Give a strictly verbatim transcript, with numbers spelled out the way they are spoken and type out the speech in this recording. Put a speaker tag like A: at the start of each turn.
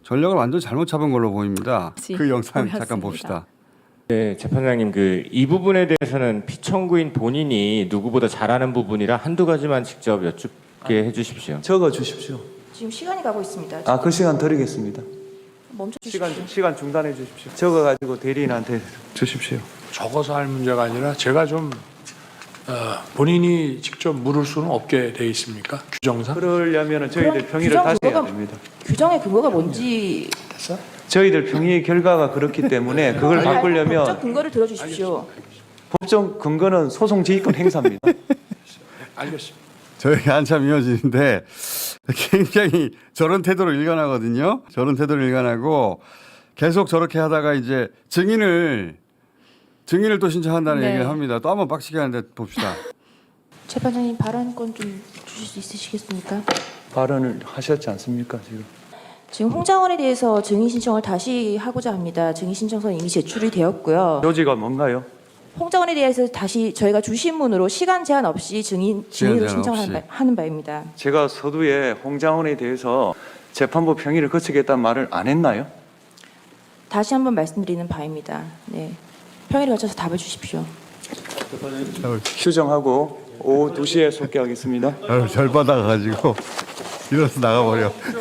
A: 전략을 완전 잘못 잡은 걸로 보입니다. 그 영상
B: 보였습니다.
A: 잠깐 봅시다.
C: 네, 재판장님 그 이 부분에 대해서는 피청구인 본인이 누구보다 잘하는 부분이라 한두 가지만 직접 여쭙게 해주십시오.
D: 적어 주십시오.
E: 지금 시간이 가고 있습니다.
D: 아, 그 시간 드리겠습니다.
E: 멈춰 주십시오.
D: 시간 시간 중단해 주십시오. 적어 가지고 대리인한테 주십시오.
F: 적어서 할 문제가 아니라 제가 좀 어, 본인이 직접 물을 수는 없게 돼 있습니까? 규정상?
D: 그러려면 저희들
E: 그럼
D: 평의를
E: 규정
D: 다시 해야
E: 그거가-
D: 됩니다.
E: 규정의 근거가 뭔지
F: 됐어?
D: 저희들 평의 결과가 그렇기 때문에 그걸
E: 법적
D: 바꾸려면
E: 근거를 들어주십시오.
D: 법정 근거는 소송 지휘권 행사입니다.
F: 알겠습니다.
A: 저희가 한참 이어지는데 굉장히 저런 태도로 일관하거든요. 저런 태도로 일관하고 계속 저렇게 하다가 이제 증인을 증인을 또 신청한다는
B: 네.
A: 얘기를 합니다. 또 한번 빡치게 하는데 봅시다.
E: 재판장님 발언권 좀 주실 수 있으시겠습니까?
D: 발언을 하셨지 않습니까 지금?
E: 지금 홍장원에 대해서 증인 신청을 다시 하고자 합니다. 증인 신청서는 이미 제출이 되었고요.
D: 요지가 뭔가요?
E: 홍장원에 대해서 다시 저희가 주신문으로 시간 제한 없이 증인 증인으로
A: 제한
E: 신청하는
A: 없이.
E: 바, 하는 바입니다.
D: 제가 서두에 홍장원에 대해서 재판부 평의를 거치겠다는 말을 안 했나요?
E: 다시 한번 말씀드리는 바입니다. 네, 평일에 걸쳐서 답을 주십시오.
D: 휴정하고 오후 두 시에 속개하겠습니다.
A: 아유, 절 받아가지고 일어서 나가버려.